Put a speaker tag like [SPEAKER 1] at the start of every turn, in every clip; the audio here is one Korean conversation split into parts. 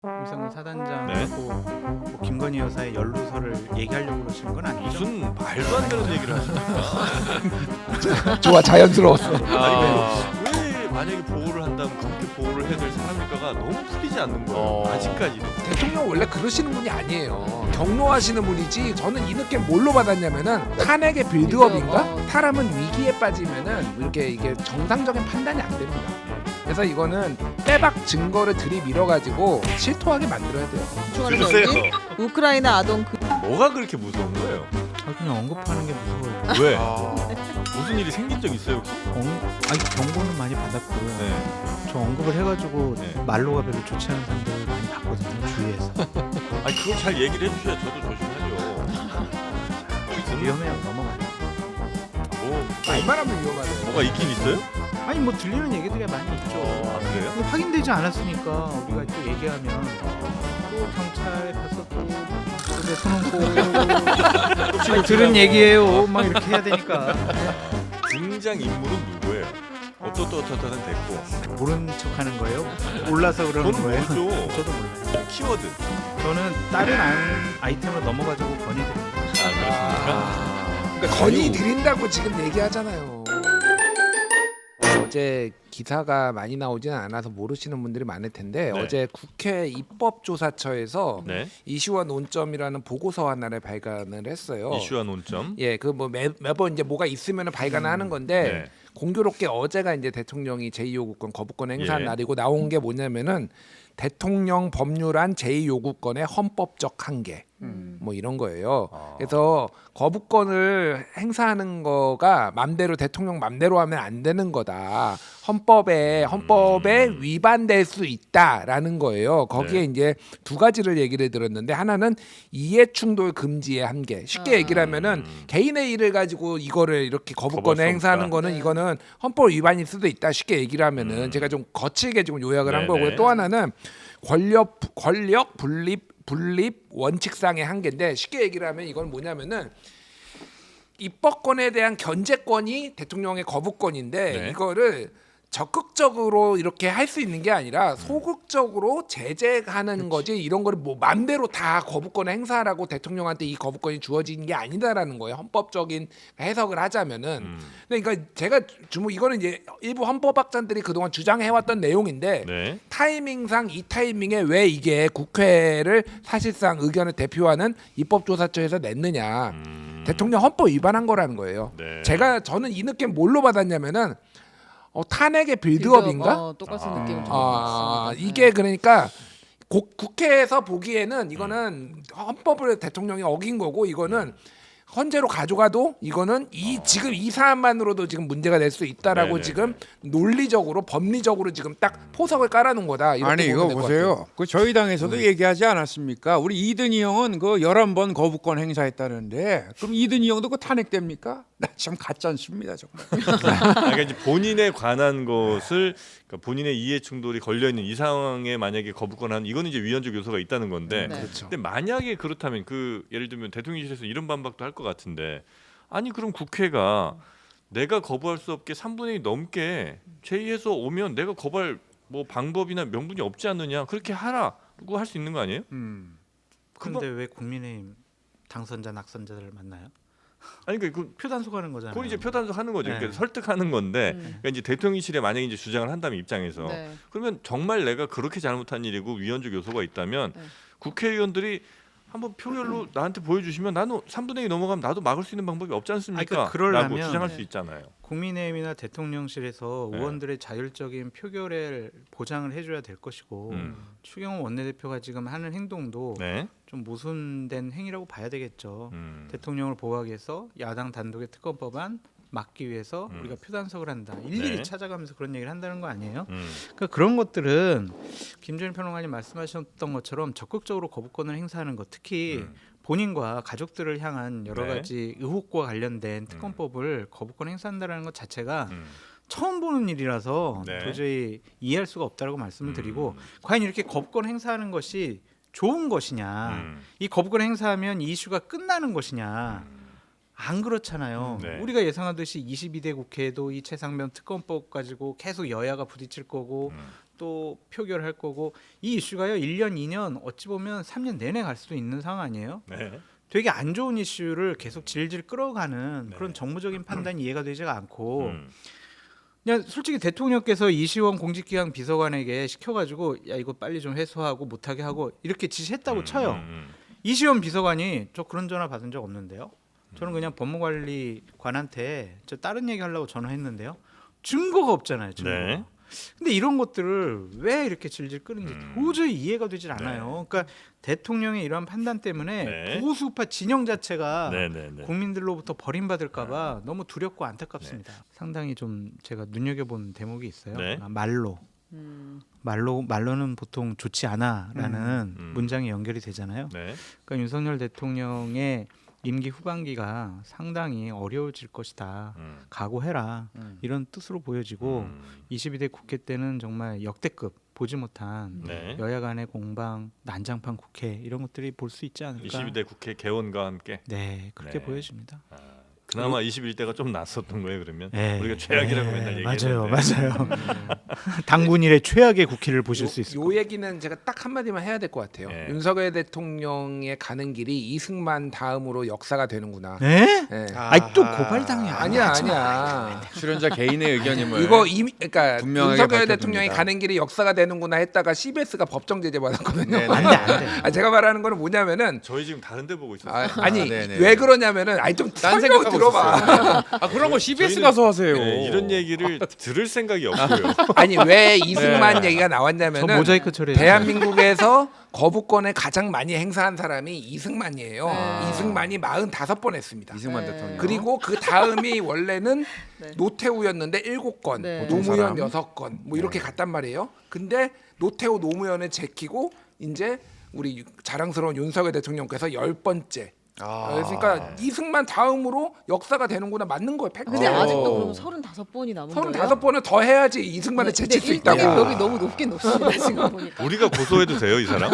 [SPEAKER 1] 이상훈
[SPEAKER 2] 네.
[SPEAKER 1] 사단장하고 뭐 김건희 여사의 연루설을 얘기하려고 그러시는 건 아니죠?
[SPEAKER 2] 무슨 말도 안 되는 얘기를 하십니까?
[SPEAKER 3] 좋아, 자연스러웠어.
[SPEAKER 2] 왜 만약에 보호를 한다면 그렇게 보호를 해야 될 사람일까가 너무 풀리지 않는 거예요. 아직까지도.
[SPEAKER 3] 대통령 원래 그러시는 분이 아니에요. 경로하시는 분이지. 저는 이 느낌 뭘로 받았냐면은 탄핵의 빌드업인가? 사람은 위기에 빠지면은 이렇게 이게 정상적인 판단이 안 됩니다. 그래서 이거는 빼박 증거를 들이밀어가지고 실토하게 만들어야 돼요.
[SPEAKER 2] 주세요.
[SPEAKER 4] 우크라이나 아동
[SPEAKER 2] 뭐가 그렇게 무서운 거예요?
[SPEAKER 1] 그냥 언급하는 게 무서워요.
[SPEAKER 2] 왜? 무슨 일이 생긴 적 있어요 혹시?
[SPEAKER 1] 아니 경고는 많이 받았고요.
[SPEAKER 2] 네.
[SPEAKER 1] 저 언급을 해가지고
[SPEAKER 2] 네.
[SPEAKER 1] 말로가 별로 좋지 않은 사람들 많이 봤거든요, 주위에서.
[SPEAKER 2] 아니 그걸 잘 얘기를 해주셔야 저도 조심하죠.
[SPEAKER 1] 위험해요, 넘어가요.
[SPEAKER 2] 뭐
[SPEAKER 3] 얼마나면 위험하네요.
[SPEAKER 2] 뭐가 있긴 있어요?
[SPEAKER 1] 아니 뭐 들리는 얘기들이 많이 있죠.
[SPEAKER 2] 아 그래요?
[SPEAKER 1] 근데 확인되지 않았으니까 우리가 또 얘기하면 또 경찰에 가서 또 그래 손은 꼭 들은 얘기예요. 막 이렇게 해야 되니까.
[SPEAKER 2] 등장 인물은 누구예요? 어떠는 됐고.
[SPEAKER 1] 모르는 척하는 거예요? 몰라서 그러는
[SPEAKER 2] 저는
[SPEAKER 1] 거예요?
[SPEAKER 2] 모르죠.
[SPEAKER 1] 저도 몰라요.
[SPEAKER 2] 키워드.
[SPEAKER 1] 저는 다른 아이템으로 넘어가지고 건의드립니다.
[SPEAKER 3] 그러니까 건의 드린다고 지금 얘기하잖아요. 어제 기사가 많이 나오지는 않아서 모르시는 분들이 많을 텐데
[SPEAKER 2] 네.
[SPEAKER 3] 어제 국회 입법조사처에서
[SPEAKER 2] 네.
[SPEAKER 3] 이슈와 논점이라는 보고서 하나를 발간을 했어요.
[SPEAKER 2] 이슈와 논점.
[SPEAKER 3] 예, 그 뭐 매번 이제 뭐가 있으면 발간을 하는 건데
[SPEAKER 2] 네.
[SPEAKER 3] 공교롭게 어제가 이제 대통령이 제2요구권 거부권 행사한
[SPEAKER 2] 예.
[SPEAKER 3] 날이고 나온 게 뭐냐면은 대통령 법률안 제2요구권의 헌법적 한계 뭐 이런 거예요. 그래서 거부권을 행사하는 거가 맘대로 대통령 맘대로 하면 안 되는 거다. 헌법에 위반될 수 있다라는 거예요. 거기에
[SPEAKER 2] 네.
[SPEAKER 3] 이제 두 가지를 얘기를 들었는데 하나는 이해충돌 금지의 한계. 쉽게 얘기를 하면은 개인의 일을 가지고 이거를 이렇게
[SPEAKER 2] 거부할
[SPEAKER 3] 거부권을
[SPEAKER 2] 수
[SPEAKER 3] 행사하는
[SPEAKER 2] 없다.
[SPEAKER 3] 거는
[SPEAKER 4] 네.
[SPEAKER 3] 이거는 헌법 위반일 수도 있다. 쉽게 얘기를 하면은 제가 좀 거칠게 지금 요약을 한
[SPEAKER 2] 네네.
[SPEAKER 3] 거고요. 또 하나는 권력 분립 원칙상의 한계인데 쉽게 얘기를 하면 이건 뭐냐면은 입법권에 대한 견제권이 대통령의 거부권인데
[SPEAKER 2] 네.
[SPEAKER 3] 이거를 적극적으로 이렇게 할 수 있는 게 아니라 소극적으로 제재하는 거지 이런 거를 뭐 맘대로 다 거부권을 행사하라고 대통령한테 이 거부권이 주어지는 게 아니다라는 거예요. 헌법적인 해석을 하자면은. 그러니까 제가 이거는 이제 일부 헌법학자들이 그동안 주장해왔던 내용인데
[SPEAKER 2] 네.
[SPEAKER 3] 타이밍상 이 타이밍에 왜 이게 국회를 사실상 의견을 대표하는 입법조사처에서 냈느냐. 대통령 헌법 위반한 거라는 거예요.
[SPEAKER 2] 네.
[SPEAKER 3] 저는 이 느낌 뭘로 받았냐면은 탄핵의 빌드업인가?
[SPEAKER 4] 똑같은 느낌을 좀
[SPEAKER 3] 아,
[SPEAKER 4] 받았습니다.
[SPEAKER 3] 이게 그러니까 국회에서 보기에는 이거는 헌법을 대통령이 어긴 거고 이거는 헌재로 가져가도 이거는 지금 이 사안만으로도 지금 문제가 될 수 있다라고
[SPEAKER 2] 네네네.
[SPEAKER 3] 지금 논리적으로 법리적으로 지금 딱 포석을 깔아놓은 거다. 이렇게
[SPEAKER 5] 아니 이거
[SPEAKER 3] 보면 될것 같아요.
[SPEAKER 5] 보세요. 그 저희 당에서도 얘기하지 않았습니까? 우리 이든희 형은 그 11번 거부권 행사했다는데 그럼 이든희 형도 그 탄핵됩니까? 나 참 가짜 않습니다 정말.
[SPEAKER 2] 그러니까 이제 본인에 관한 것을 그러니까 본인의 이해 충돌이 걸려 있는 이 상황에 만약에 거부권한 이거는 이제 위헌적 요소가 있다는 건데.
[SPEAKER 4] 네.
[SPEAKER 3] 그렇죠.
[SPEAKER 2] 근데 만약에 그렇다면 예를 들면 대통령실에서 이런 반박도 할 것 같은데 아니 그럼 국회가 내가 거부할 수 없게 3분의 2 넘게 제의해서 오면 내가 거부할 뭐 방법이나 명분이 없지 않느냐 그렇게 하라고 할 수 있는 거 아니에요?
[SPEAKER 1] 근데 왜 국민의힘 당선자 낙선자들을 만나요?
[SPEAKER 2] 아니 그러니까 그
[SPEAKER 1] 표단속 하는 거잖아요.
[SPEAKER 2] 그건 이제 표단속 하는 거죠.
[SPEAKER 1] 네.
[SPEAKER 2] 그러니까 설득하는 건데 그러니까 이제 대통령실에 만약에 이제 주장을 한다면 입장에서
[SPEAKER 4] 네.
[SPEAKER 2] 그러면 정말 내가 그렇게 잘못한 일이고 위헌적 요소가 있다면
[SPEAKER 4] 네.
[SPEAKER 2] 국회의원들이 한번 표결로 나한테 보여주시면 나는 3분의 2 넘어가면 나도 막을 수 있는 방법이 없지 않습니까?
[SPEAKER 1] 아니, 그러니까
[SPEAKER 2] 라고
[SPEAKER 1] 그러려면-
[SPEAKER 2] 주장할 수
[SPEAKER 4] 네.
[SPEAKER 2] 있잖아요.
[SPEAKER 1] 국민의힘이나 대통령실에서
[SPEAKER 2] 네.
[SPEAKER 1] 의원들의 자율적인 표결을 보장을 해줘야 될 것이고 추경호 원내대표가 지금 하는 행동도
[SPEAKER 2] 네.
[SPEAKER 1] 좀 모순된 행위라고 봐야 되겠죠.
[SPEAKER 2] 음.
[SPEAKER 1] 대통령을 보호하기 위해서 야당 단독의 특검법안 막기 위해서 우리가 표단속을 한다. 일일이
[SPEAKER 2] 네.
[SPEAKER 1] 찾아가면서 그런 얘기를 한다는 거 아니에요?
[SPEAKER 2] 음.
[SPEAKER 1] 그러니까 그런 것들은 김준일 평론가님 말씀하셨던 것처럼 적극적으로 거부권을 행사하는 것, 특히 본인과 가족들을 향한 여러
[SPEAKER 2] 네.
[SPEAKER 1] 가지 의혹과 관련된 특검법을 거부권 행사한다는 것 자체가
[SPEAKER 2] 음.
[SPEAKER 1] 처음 보는 일이라서
[SPEAKER 2] 네.
[SPEAKER 1] 도저히 이해할 수가 없다라고 말씀을 드리고 과연 이렇게 거부권 행사하는 것이 좋은 것이냐, 이 거부권 행사하면 이 이슈가 끝나는 것이냐, 안 그렇잖아요.
[SPEAKER 2] 네.
[SPEAKER 1] 우리가 예상하듯이 22대 국회에도 이 최상면 특검법 가지고 계속 여야가 부딪힐 거고 또 표결할 거고 이 이슈가요 1년, 2년 어찌 보면 3년 내내 갈 수도 있는 상황 아니에요.
[SPEAKER 2] 네.
[SPEAKER 1] 되게 안 좋은 이슈를 계속 질질 끌어가는
[SPEAKER 2] 네.
[SPEAKER 1] 그런 정무적인 판단이 이해가 되지가 않고
[SPEAKER 2] 음.
[SPEAKER 1] 그냥 솔직히 대통령께서 이시원 공직기강 비서관에게 시켜가지고 야 이거 빨리 좀 해소하고 못하게 하고 이렇게 지시했다고 쳐요. 이시원 비서관이 저 그런 전화 받은 적 없는데요. 저는 그냥 법무관리관한테 저 다른 얘기 하려고 전화했는데요. 증거가 없잖아요. 증거.
[SPEAKER 2] 네.
[SPEAKER 1] 근데 이런 것들을 왜 이렇게 질질 끄는지 도저히 이해가 되질
[SPEAKER 2] 네.
[SPEAKER 1] 않아요. 그러니까 대통령의 이러한 판단 때문에
[SPEAKER 2] 네.
[SPEAKER 1] 보수파 진영 자체가
[SPEAKER 2] 네네네.
[SPEAKER 1] 국민들로부터 버림받을까봐 너무 두렵고 안타깝습니다. 상당히 좀 제가 눈여겨본 대목이 있어요.
[SPEAKER 2] 네.
[SPEAKER 1] 말로는 보통 좋지 않아라는
[SPEAKER 2] 음.
[SPEAKER 1] 문장이 연결이 되잖아요.
[SPEAKER 2] 네.
[SPEAKER 1] 그러니까 윤석열 대통령의 임기 후반기가 상당히 어려워질 것이다. 각오해라. 이런 뜻으로 보여지고 22대 국회 때는 정말 역대급 보지 못한
[SPEAKER 2] 네.
[SPEAKER 1] 여야 간의 공방, 난장판 국회 이런 것들이 볼 수 있지 않을까.
[SPEAKER 2] 22대 국회 개원과 함께
[SPEAKER 1] 네, 그렇게
[SPEAKER 2] 네.
[SPEAKER 1] 보여집니다.
[SPEAKER 2] 그나마 21대가 좀 낫었던 거예요. 그러면
[SPEAKER 1] 네.
[SPEAKER 2] 우리가 최악이라고
[SPEAKER 1] 네,
[SPEAKER 2] 맨날
[SPEAKER 1] 맞아요,
[SPEAKER 2] 얘기했는데
[SPEAKER 1] 맞아요. 당군일의 최악의 국회를 보실 수 있을
[SPEAKER 3] 요
[SPEAKER 1] 겁니다.
[SPEAKER 3] 얘기는 제가 딱 한마디만 해야 될 것 같아요.
[SPEAKER 2] 네.
[SPEAKER 3] 윤석열 대통령의 가는 길이 이승만 다음으로 역사가 되는구나.
[SPEAKER 1] 네?
[SPEAKER 3] 네.
[SPEAKER 1] 아니 또 고발당해.
[SPEAKER 3] 아니야.
[SPEAKER 5] 출연자 개인의 의견임을
[SPEAKER 3] 이거 이미 그러니까
[SPEAKER 5] 분명하게
[SPEAKER 3] 윤석열
[SPEAKER 5] 밝혀둡니다.
[SPEAKER 3] 대통령이 가는 길이 역사가 되는구나 했다가 CBS가 법정 제재 받았거든요.
[SPEAKER 5] 네네.
[SPEAKER 1] 안 돼, 안 돼.
[SPEAKER 3] 아, 제가 말하는 거는 뭐냐면은
[SPEAKER 2] 저희 지금 다른 데 보고 있었어요.
[SPEAKER 3] 아니
[SPEAKER 5] 네네.
[SPEAKER 3] 왜 그러냐면은 아니 좀
[SPEAKER 5] 딴
[SPEAKER 3] 설명
[SPEAKER 5] 생각하고
[SPEAKER 3] 들어봐.
[SPEAKER 5] 아 그런 거 CBS
[SPEAKER 2] 저희는-
[SPEAKER 5] 가서 하세요.
[SPEAKER 2] 네, 이런 얘기를 들을 생각이 없고요.
[SPEAKER 3] 아니 왜 이승만
[SPEAKER 5] 네.
[SPEAKER 3] 얘기가
[SPEAKER 1] 저
[SPEAKER 3] 나왔냐면은
[SPEAKER 1] 모자이크 처리.
[SPEAKER 3] 대한민국에서 거부권을 가장 많이 행사한 사람이 이승만이에요.
[SPEAKER 4] 네.
[SPEAKER 3] 이승만이 45번 했습니다.
[SPEAKER 5] 이승만
[SPEAKER 4] 네.
[SPEAKER 5] 대통령.
[SPEAKER 3] 그리고 그 다음이 원래는
[SPEAKER 4] 네.
[SPEAKER 3] 노태우였는데 7건,
[SPEAKER 4] 네.
[SPEAKER 3] 노무현
[SPEAKER 5] 사람.
[SPEAKER 3] 6건 뭐 이렇게 갔단 말이에요. 근데 노태우 노무현을 제키고 이제 우리 자랑스러운 윤석열 대통령께서 10번째. 그러니까 이승만 다음으로 역사가 되는구나 맞는 거예요. 팩트.
[SPEAKER 4] 근데 아직도 그럼 35번이 남은 거예요?
[SPEAKER 3] 35번을 더 해야지 이승만을
[SPEAKER 4] 근데
[SPEAKER 3] 제칠 수
[SPEAKER 4] 일등의
[SPEAKER 3] 있다고.
[SPEAKER 4] 벽이 너무 높긴 높습니다 지금 보니까.
[SPEAKER 2] 우리가 고소해도 돼요, 이 사람?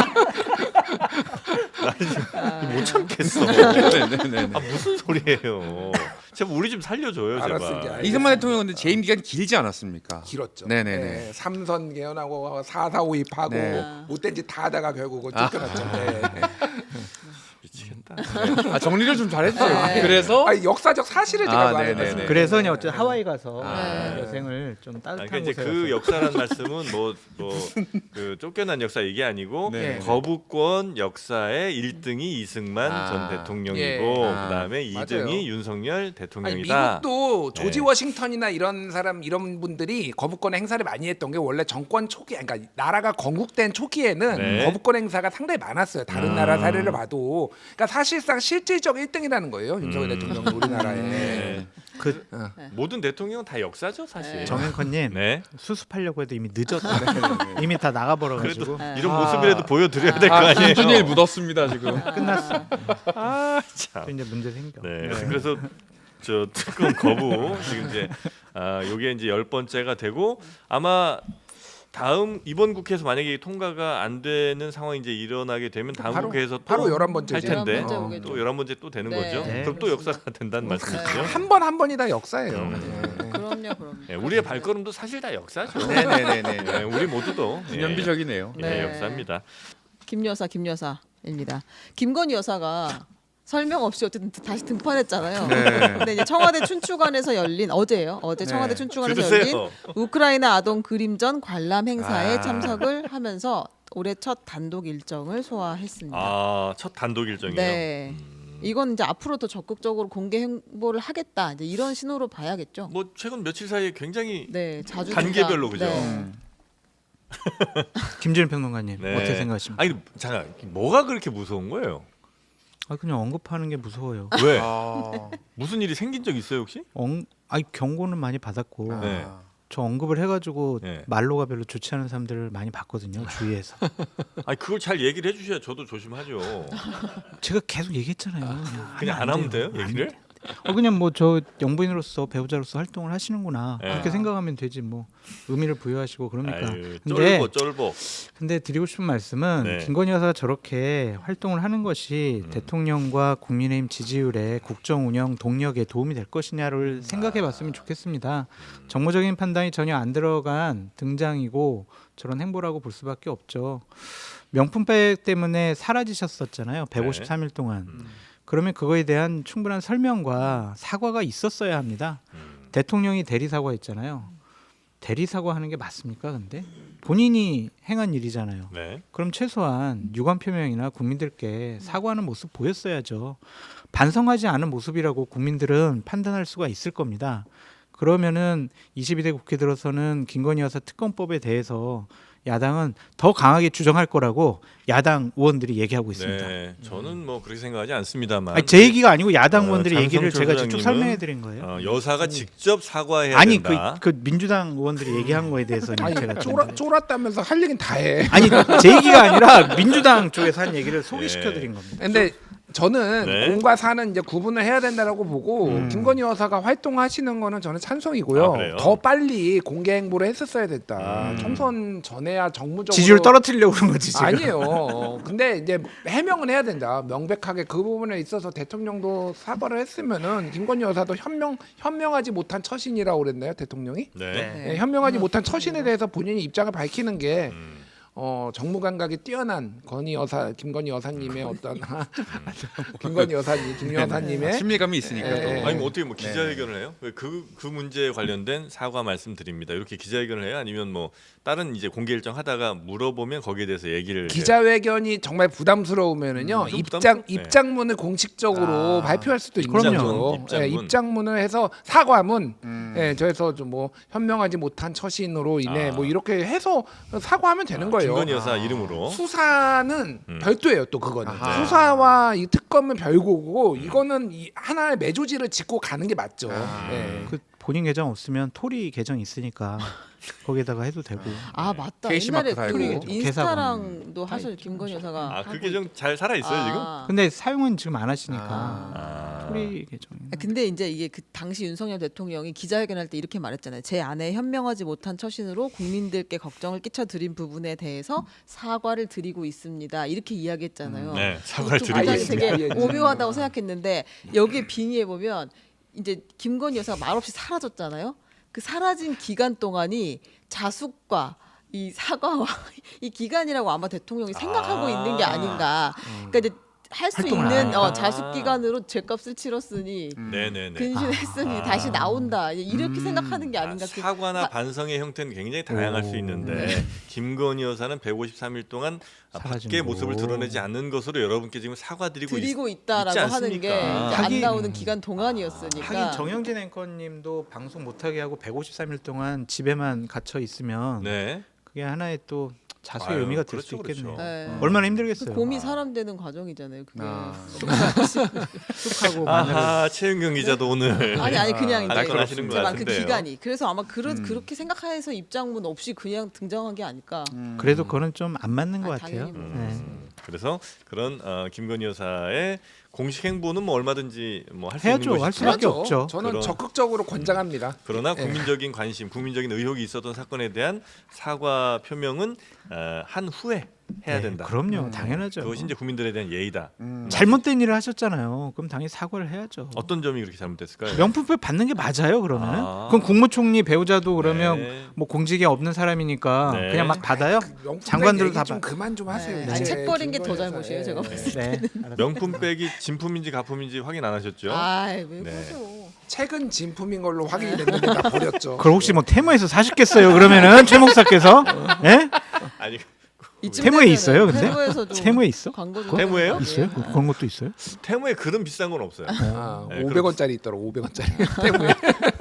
[SPEAKER 2] 나는 못 참겠어.
[SPEAKER 5] 네네네.
[SPEAKER 2] 아, 무슨 소리예요? 제발 우리 좀 살려줘요,
[SPEAKER 3] 알았어, 이제
[SPEAKER 2] 제발.
[SPEAKER 3] 알겠어.
[SPEAKER 5] 이승만 대통령 근데 재임 기간이 길지 않았습까?
[SPEAKER 3] 길었죠.
[SPEAKER 5] 네네네.
[SPEAKER 3] 네, 삼선 개헌하고 4.4.5입 하고
[SPEAKER 5] 네.
[SPEAKER 3] 못된 짓 다 하다가 결국 쫓겨났죠. 네.
[SPEAKER 2] 미치겠다.
[SPEAKER 5] 아 정리를 좀 잘해주세요.
[SPEAKER 4] 네.
[SPEAKER 5] 그래서
[SPEAKER 3] 아니, 역사적 사실을 제가
[SPEAKER 5] 아,
[SPEAKER 3] 말해요.
[SPEAKER 5] 네네네.
[SPEAKER 1] 그래서 그냥 어쨌든 하와이 가서
[SPEAKER 4] 네.
[SPEAKER 1] 여생을 좀
[SPEAKER 2] 아,
[SPEAKER 1] 따뜻한
[SPEAKER 2] 그러니까 이제
[SPEAKER 1] 곳에
[SPEAKER 2] 그
[SPEAKER 1] 가서.
[SPEAKER 2] 역사란 말씀은 그 쫓겨난 역사 얘기 아니고
[SPEAKER 5] 네.
[SPEAKER 2] 거부권 역사의 1등이 이승만
[SPEAKER 5] 아.
[SPEAKER 2] 전 대통령이고
[SPEAKER 3] 예.
[SPEAKER 2] 그다음에
[SPEAKER 3] 맞아요.
[SPEAKER 2] 2등이 윤석열
[SPEAKER 3] 아니,
[SPEAKER 2] 대통령이다.
[SPEAKER 3] 미국도 조지
[SPEAKER 2] 네.
[SPEAKER 3] 워싱턴이나 이런 사람 이런 분들이 거부권 행사를 많이 했던 게 원래 정권 초기, 그러니까 나라가 건국된 초기에는
[SPEAKER 2] 네.
[SPEAKER 3] 거부권 행사가 상당히 많았어요. 다른 나라 사례를 봐도, 그러니까 사실상 실질적 1등이라는 거예요. 윤석열 대통령 우리나라에.
[SPEAKER 2] 네.
[SPEAKER 1] 그
[SPEAKER 2] 모든 대통령은 다 역사죠, 사실.
[SPEAKER 4] 네.
[SPEAKER 1] 정현커님
[SPEAKER 2] 네.
[SPEAKER 1] 수습하려고 해도 이미 늦었다. 이미 다 나가버려가지고
[SPEAKER 2] 그래도 이런 모습이라도 보여드려야 될 거 아니에요.
[SPEAKER 5] 김준일 묻었습니다 지금.
[SPEAKER 1] 끝났어.
[SPEAKER 2] 참.
[SPEAKER 1] 또 이제 문제 생겨.
[SPEAKER 2] 네. 그래서 저 특검 거부 지금 이제 요게 이제 10번째가 되고 아마 다음 이번 국회에서 만약에 통과가 안 되는 상황이 이제 일어나게 되면 다음
[SPEAKER 3] 바로-
[SPEAKER 2] 국회에서 또
[SPEAKER 3] 바로
[SPEAKER 2] 할
[SPEAKER 3] 11번째지.
[SPEAKER 2] 텐데
[SPEAKER 4] 11번째 오겠죠.
[SPEAKER 2] 또 11번째 또 되는
[SPEAKER 4] 네.
[SPEAKER 2] 거죠.
[SPEAKER 1] 네.
[SPEAKER 2] 그럼 또 역사가 된다는 말씀이시죠.
[SPEAKER 3] 한 번 한 번이 다 역사예요. 네.
[SPEAKER 4] 그럼요.
[SPEAKER 2] 네, 우리의 발걸음도 사실 다 역사죠.
[SPEAKER 5] 네네네네.
[SPEAKER 2] 네, 우리 모두도
[SPEAKER 5] 기념비적이네요.
[SPEAKER 2] 예,
[SPEAKER 4] 네.
[SPEAKER 2] 역사입니다.
[SPEAKER 4] 김 여사입니다. 김건희 여사가 설명 없이 어쨌든 다시 등판했잖아요.
[SPEAKER 5] 네.
[SPEAKER 4] 근데 이제 청와대 춘추관에서 열린 어제예요. 어제 청와대 춘추관에서 열린
[SPEAKER 2] 들으세요.
[SPEAKER 4] 우크라이나 아동 그림전 관람 행사에
[SPEAKER 5] 아.
[SPEAKER 4] 참석을 하면서 올해 첫 단독 일정을 소화했습니다.
[SPEAKER 2] 첫 단독 일정이에요.
[SPEAKER 4] 네. 이건 이제 앞으로 더 적극적으로 공개 행보를 하겠다. 이제 이런 신호로 봐야겠죠.
[SPEAKER 2] 뭐 최근 며칠 사이에 굉장히
[SPEAKER 4] 네, 자주
[SPEAKER 2] 단계별로
[SPEAKER 4] 등장.
[SPEAKER 2] 그죠?
[SPEAKER 4] 네.
[SPEAKER 1] 김준일 평론가님
[SPEAKER 2] 네.
[SPEAKER 1] 어떻게 생각하십니까?
[SPEAKER 2] 아니 잠깐 뭐가 그렇게 무서운 거예요?
[SPEAKER 1] 그냥 언급하는 게 무서워요.
[SPEAKER 2] 왜?
[SPEAKER 5] 아.
[SPEAKER 2] 무슨 일이 생긴 적 있어요 혹시?
[SPEAKER 1] 경고는 많이 받았고
[SPEAKER 2] 네.
[SPEAKER 1] 저 언급을 해가지고
[SPEAKER 2] 네.
[SPEAKER 1] 말로가 별로 좋지 않은 사람들을 많이 봤거든요 주위에서.
[SPEAKER 2] 아니 그걸 잘 얘기를 해주셔야 저도 조심하죠.
[SPEAKER 1] 제가 계속 얘기했잖아요.
[SPEAKER 2] 그냥 안 하면 돼요 얘기를?
[SPEAKER 1] 그냥 뭐 저 영부인으로서 배우자로서 활동을 하시는구나
[SPEAKER 2] 예.
[SPEAKER 1] 그렇게 생각하면 되지 뭐 의미를 부여하시고 그러니까.
[SPEAKER 2] 아유,
[SPEAKER 1] 근데
[SPEAKER 2] 쫄보.
[SPEAKER 1] 근데 드리고 싶은 말씀은
[SPEAKER 2] 네.
[SPEAKER 1] 김건희 여사가 저렇게 활동을 하는 것이 대통령과 국민의힘 지지율의 국정 운영 동력에 도움이 될 것이냐를 생각해봤으면 좋겠습니다. 정무적인 판단이 전혀 안 들어간 등장이고 저런 행보라고 볼 수밖에 없죠. 명품백 때문에 사라지셨었잖아요. 153일 동안. 그러면 그거에 대한 충분한 설명과 사과가 있었어야 합니다. 대통령이 대리 사과했잖아요. 대리 사과하는 게 맞습니까? 근데 본인이 행한 일이잖아요.
[SPEAKER 2] 네.
[SPEAKER 1] 그럼 최소한 유감 표명이나 국민들께 사과하는 모습 보였어야죠. 반성하지 않은 모습이라고 국민들은 판단할 수가 있을 겁니다. 그러면은 22대 국회 들어서는 김건희 여사 특검법에 대해서 야당은 더 강하게 주장할 거라고 야당 의원들이 얘기하고 있습니다.
[SPEAKER 2] 네. 저는 뭐 그렇게 생각하지 않습니다만.
[SPEAKER 1] 아니, 제 얘기가 아니고 야당 의원들의 얘기를
[SPEAKER 2] 장성철
[SPEAKER 1] 제가 직접
[SPEAKER 2] 소장님은
[SPEAKER 1] 설명해 드린 거예요.
[SPEAKER 2] 여사가 직접 사과해야
[SPEAKER 1] 아니
[SPEAKER 2] 된다.
[SPEAKER 1] 그 민주당 의원들이 얘기한 거에 대해서는
[SPEAKER 3] 아니
[SPEAKER 1] 제가 좀
[SPEAKER 3] 쫄았다면서 할 얘기는 다 해.
[SPEAKER 1] 아니 제 얘기가 아니라 민주당 쪽에서 한 얘기를 소개시켜 드린 겁니다.
[SPEAKER 3] 근데 저는
[SPEAKER 2] 네.
[SPEAKER 3] 공과 사는 이제 구분을 해야 된다라고 보고 김건희 여사가 활동하시는 거는 저는 찬성이고요.
[SPEAKER 2] 아, 그래요?
[SPEAKER 3] 더 빨리 공개 행보를 했었어야 됐다. 총선 전에야 정무적으로
[SPEAKER 1] 지지율 떨어뜨리려고 그런 거지 지금.
[SPEAKER 3] 아니에요. 근데 이제 해명은 해야 된다. 명백하게 그 부분에 있어서 대통령도 사과를 했으면은 김건희 여사도 현명하지 못한 처신이라고 그랬나요, 대통령이?
[SPEAKER 2] 네.
[SPEAKER 1] 네.
[SPEAKER 3] 네, 현명하지 못한 처신에 대해서 본인이 입장을 밝히는 게 정무 감각이 뛰어난 김건희 여사님의 어떤 김건희 여사님, 김 여사님의
[SPEAKER 5] 친밀감이 있으니까 또.
[SPEAKER 3] 네.
[SPEAKER 2] 아니 뭐 어떻게 뭐 기자회견을 해요? 그 문제에 관련된 사과 말씀드립니다. 이렇게 기자회견을 해요? 아니면 뭐 다른 이제 공개 일정 하다가 물어보면 거기에 대해서 얘기를
[SPEAKER 3] 기자회견이 정말 부담스러우면은요
[SPEAKER 2] 좀 부담스럽- 네.
[SPEAKER 3] 입장문을 공식적으로 발표할 수도 있는
[SPEAKER 1] 그럼요.
[SPEAKER 3] 거죠. 예,
[SPEAKER 2] 입장문.
[SPEAKER 3] 입장문을 해서 사과문, 예, 저에서 좀 뭐 현명하지 못한 처신으로 인해 뭐 이렇게 해서 사과하면 되는 거예요.
[SPEAKER 2] 김건희 여사 이름으로
[SPEAKER 3] 수사는 별도예요. 또 그거는
[SPEAKER 5] 아하.
[SPEAKER 3] 수사와 이 특검은 별거고 이거는 하나의 매조지를 짚고 가는 게 맞죠. 예.
[SPEAKER 1] 그 본인 계정 없으면 토리 계정 있으니까 거기에다가 해도 되고.
[SPEAKER 4] 아 맞다.
[SPEAKER 5] 게시마크
[SPEAKER 4] 옛날에
[SPEAKER 5] 달고.
[SPEAKER 4] 그 인스타랑도 하실 김건희 여사가.
[SPEAKER 2] 아 그게 좀 잘 살아 있어요 지금?
[SPEAKER 1] 근데 사용은 지금 안 하시니까
[SPEAKER 2] 아.
[SPEAKER 1] 토리 계정.
[SPEAKER 4] 근데 이제 이게 그 당시 윤석열 대통령이 기자회견할 때 이렇게 말했잖아요. 제 아내 현명하지 못한 처신으로 국민들께 걱정을 끼쳐드린 부분에 대해서 사과를 드리고 있습니다. 이렇게 이야기했잖아요.
[SPEAKER 2] 네, 사과를
[SPEAKER 4] 좀
[SPEAKER 2] 드리고
[SPEAKER 4] 굉장히
[SPEAKER 2] 있습니다.
[SPEAKER 4] 되게 오묘하다고 생각했는데 여기에 빙의해 보면 이제 김건희 여사가 말없이 사라졌잖아요. 그 사라진 기간 동안이 자숙과 이 사과와 이 기간이라고 아마 대통령이 생각하고 있는 게 아닌가. 그러니까 이제 할 수
[SPEAKER 1] 활동을 안
[SPEAKER 4] 있는
[SPEAKER 1] 하니까.
[SPEAKER 4] 자숙 기간으로 죄값을 치렀으니
[SPEAKER 2] 네네네.
[SPEAKER 4] 근신했으니 다시 나온다. 이렇게 생각하는 게
[SPEAKER 2] 아,
[SPEAKER 4] 아닌가. 그
[SPEAKER 2] 사과나 반성의 형태는 굉장히 다양할 수 있는데 김건희 여사는 153일 동안
[SPEAKER 1] 사라진
[SPEAKER 2] 밖의
[SPEAKER 1] 거.
[SPEAKER 2] 모습을 드러내지 않는 것으로 여러분께 지금 사과드리고
[SPEAKER 4] 드리고
[SPEAKER 2] 있지
[SPEAKER 4] 있다라고 하는
[SPEAKER 2] 않습니까?
[SPEAKER 4] 게 이제 안
[SPEAKER 1] 하긴-
[SPEAKER 4] 나오는 기간 동안이었으니까.
[SPEAKER 1] 하긴 정영진 앵커님도 방송 못하게 하고 153일 동안 집에만 갇혀 있으면
[SPEAKER 2] 네.
[SPEAKER 1] 그게 하나의 또 자수의
[SPEAKER 2] 아유,
[SPEAKER 1] 의미가 될
[SPEAKER 2] 그렇죠,
[SPEAKER 1] 수 있겠네요.
[SPEAKER 2] 그렇죠.
[SPEAKER 4] 네.
[SPEAKER 1] 얼마나
[SPEAKER 4] 그
[SPEAKER 1] 힘들겠어요.
[SPEAKER 4] 곰이 사람 되는 과정이잖아요. 그게.
[SPEAKER 1] 쑥하고 마늘을
[SPEAKER 2] 아하 최윤경 기자도 오늘
[SPEAKER 4] 아니 그냥 이제
[SPEAKER 2] 안건하시는 것
[SPEAKER 4] 제가 그
[SPEAKER 2] 같은데요.
[SPEAKER 4] 기간이 그래서 아마 그렇게 생각해서 입장문 없이 그냥 등장한 게 아닐까.
[SPEAKER 1] 그래도 그거는 좀 안 맞는 것
[SPEAKER 4] 아,
[SPEAKER 1] 같아요.
[SPEAKER 4] 당연히 뭐.
[SPEAKER 1] 네.
[SPEAKER 2] 그래서 그런 김건희 여사의 공식 행보는 뭐 얼마든지 뭐 할 수
[SPEAKER 1] 해야죠.
[SPEAKER 2] 있는
[SPEAKER 1] 할
[SPEAKER 2] 것이지만
[SPEAKER 1] 수밖에 없죠.
[SPEAKER 3] 저는
[SPEAKER 2] 그럼.
[SPEAKER 3] 적극적으로 권장합니다.
[SPEAKER 2] 그러나 국민적인 관심, 국민적인 의혹이 있었던 사건에 대한 사과 표명은 한 후에 해야
[SPEAKER 1] 네,
[SPEAKER 2] 된다.
[SPEAKER 1] 그럼요. 당연하죠.
[SPEAKER 2] 그것이 이제 국민들에 대한 예의다.
[SPEAKER 1] 잘못된 일을 하셨잖아요. 그럼 당연히 사과를 해야죠.
[SPEAKER 2] 어떤 점이 그렇게 잘못됐을까요?
[SPEAKER 1] 명품백 받는 게 맞아요. 그러면은
[SPEAKER 2] 아.
[SPEAKER 1] 그럼 국무총리 배우자도 그러면
[SPEAKER 2] 네.
[SPEAKER 1] 뭐 공직에 없는 사람이니까
[SPEAKER 2] 네.
[SPEAKER 1] 그냥 막 받아요.
[SPEAKER 3] 명품
[SPEAKER 1] 장관들도
[SPEAKER 3] 얘기
[SPEAKER 1] 다
[SPEAKER 3] 좀 그만 좀 하세요.
[SPEAKER 4] 네.
[SPEAKER 3] 이제
[SPEAKER 4] 아니, 책 버린 게 더
[SPEAKER 3] 김건희
[SPEAKER 4] 잘못이에요,
[SPEAKER 3] 여사.
[SPEAKER 4] 제가
[SPEAKER 3] 예.
[SPEAKER 4] 봤을
[SPEAKER 1] 네.
[SPEAKER 2] 명품백이 진품인지 가품인지 확인 안 하셨죠?
[SPEAKER 4] 아왜
[SPEAKER 2] 네.
[SPEAKER 4] 그러죠?
[SPEAKER 3] 책은 진품인 걸로 확인이 됐는데 다 버렸죠.
[SPEAKER 1] 그걸 혹시 뭐 테마에서 사셨겠어요? 그러면은 최 목사께서 예?
[SPEAKER 2] 아니
[SPEAKER 4] 이쯤
[SPEAKER 1] 세무에
[SPEAKER 4] 되면은
[SPEAKER 1] 있어요, 근데?
[SPEAKER 4] 세무에서도
[SPEAKER 1] 세무에 있어?
[SPEAKER 4] 광고 좀
[SPEAKER 2] 세무예요?
[SPEAKER 1] 있어요? 그런 것도 있어요?
[SPEAKER 2] 테무에 그런 비싼 건 없어요.
[SPEAKER 3] 아,
[SPEAKER 2] 네,
[SPEAKER 3] 500원짜리 있더라. 500원짜리. 때문에